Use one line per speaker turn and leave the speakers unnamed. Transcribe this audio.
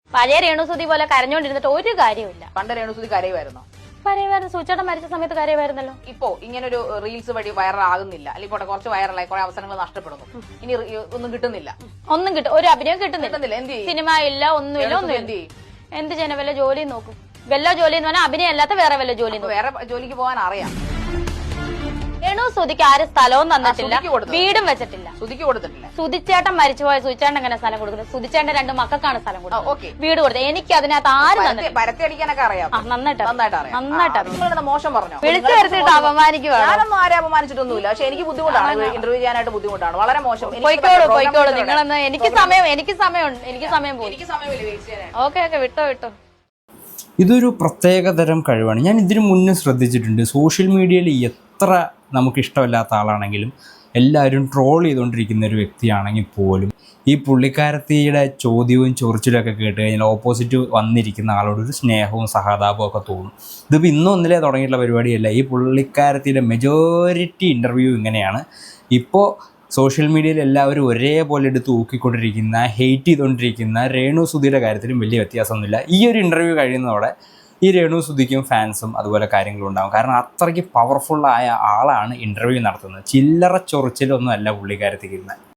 പഴയ രേണുസുതി പോലെ കരഞ്ഞോണ്ടിരുന്നിട്ട് ഒരു കാര്യമില്ല.
പണ്ട് രേണുസുതി കരയുമായിരുന്നോ?
കരയുമായിരുന്നു. സൂചേട്ടൻ മരിച്ച സമയത്ത് കരയുമായിരുന്നല്ലോ.
ഇപ്പോ ഇങ്ങനൊരു റീൽസ് വഴി വൈറൽ ആകുന്നില്ല, അല്ലെങ്കിൽ പോട്ടെ കുറച്ച് വൈറലായി കുറെ അവസരങ്ങൾ നഷ്ടപ്പെടുന്നു, ഇനി ഒന്നും കിട്ടുന്നില്ല,
ഒരു അഭിനയം കിട്ടുന്നില്ല,
എന്ത് ചെയ്യും?
സിനിമ ഇല്ല, ഒന്നുമില്ല. എന്ത് ചെയ്യണം? വല്ല ജോലി നോക്കും. വല്ല ജോലി എന്ന് പറഞ്ഞാൽ അഭിനയം അല്ലാത്ത വേറെ വല്ല ജോലി.
വേറെ ജോലിക്ക് പോകാൻ അറിയാം.
രേണുസുതിക്ക് ആരും സ്ഥലവും തന്നിട്ടില്ല, വീടും വെച്ചിട്ടില്ല.
സുധിക്ക് കൊടുത്തിട്ടില്ല.
സുധിച്ചേട്ടൻ മരിച്ചുപോയ സുധിച്ചേട്ടൻ എങ്ങനെ സ്ഥലം കൊടുക്കുന്നത്? സുധിച്ചേട്ടൻ 2 മക്കൾക്കാണ് സ്ഥലം കൊടുക്കുന്നത്, വീട് കൊടുത്തത്. എനിക്ക് അതിനകത്ത് ആരും തന്നില്ല.
പരത്തി അടിക്കാനൊക്കെ അറിയാം,
നന്നായിട്ട്
അറിയാം. നിങ്ങളുടെ മോശം പറഞ്ഞു,
വിളിച്ചു വരുത്തിട്ട് അപമാനിക്കുവാണ്.
ഞാനൊന്നും ആരും അപമാനിച്ചിട്ടൊന്നുമില്ല, പക്ഷെ എനിക്ക് ബുദ്ധിമുട്ടാണ്, ഇന്റർവ്യൂ ചെയ്യാനായിട്ട് ബുദ്ധിമുട്ടാണ്, വളരെ മോശം.
പോയിക്കോളൂ നിങ്ങളെന്ന്. എനിക്ക് സമയം പോയി. ഓക്കെ വിട്ടോ.
ഇതൊരു പ്രത്യേകതരം കഴിവാണ്. ഞാൻ ഇതിനു മുന്നേ ശ്രദ്ധിച്ചിട്ടുണ്ട്. സോഷ്യൽ മീഡിയയിൽ എത്ര നമുക്കിഷ്ടമല്ലാത്ത ആളാണെങ്കിലും എല്ലാവരും ട്രോൾ ചെയ്തുകൊണ്ടിരിക്കുന്ന ഒരു വ്യക്തിയാണെങ്കിൽ പോലും ഈ പുള്ളിക്കാരത്തിയുടെ ചോദ്യവും ചൊറിച്ചിലൊക്കെ കേട്ട് കഴിഞ്ഞാൽ ഓപ്പോസിറ്റ് വന്നിരിക്കുന്ന ആളോട് ഒരു സ്നേഹവും സഹതാപവും ഒക്കെ തോന്നും. ഇതിപ്പോൾ ഇന്നും ഒന്നിലേ തുടങ്ങിയിട്ടുള്ള പരിപാടിയല്ല. ഈ പുള്ളിക്കാരത്തിയുടെ മെജോറിറ്റി ഇൻ്റർവ്യൂ ഇങ്ങനെയാണ്. ഇപ്പോൾ സോഷ്യൽ മീഡിയയിൽ എല്ലാവരും ഒരേപോലെ എടുത്ത് ഊക്കിക്കൊണ്ടിരിക്കുന്ന, ഹെയ്റ്റ് ചെയ്തുകൊണ്ടിരിക്കുന്ന രേണുസുധിയുടെ കാര്യത്തിലും വലിയ വ്യത്യാസമൊന്നുമില്ല. ഈ ഒരു ഇൻ്റർവ്യൂ കഴിയുന്നതോടെ ഈ രേണുസുധിക്കും ഫാൻസും അതുപോലെ കാര്യങ്ങളും ഉണ്ടാകും. കാരണം അത്രയ്ക്ക് പവർഫുള്ളായ ആളാണ് ഇൻ്റർവ്യൂ നടത്തുന്നത്. ചില്ലറ ചൊറിച്ചിലൊന്നും അല്ല പുള്ളിക്കാരത്തിക്കുന്നത്.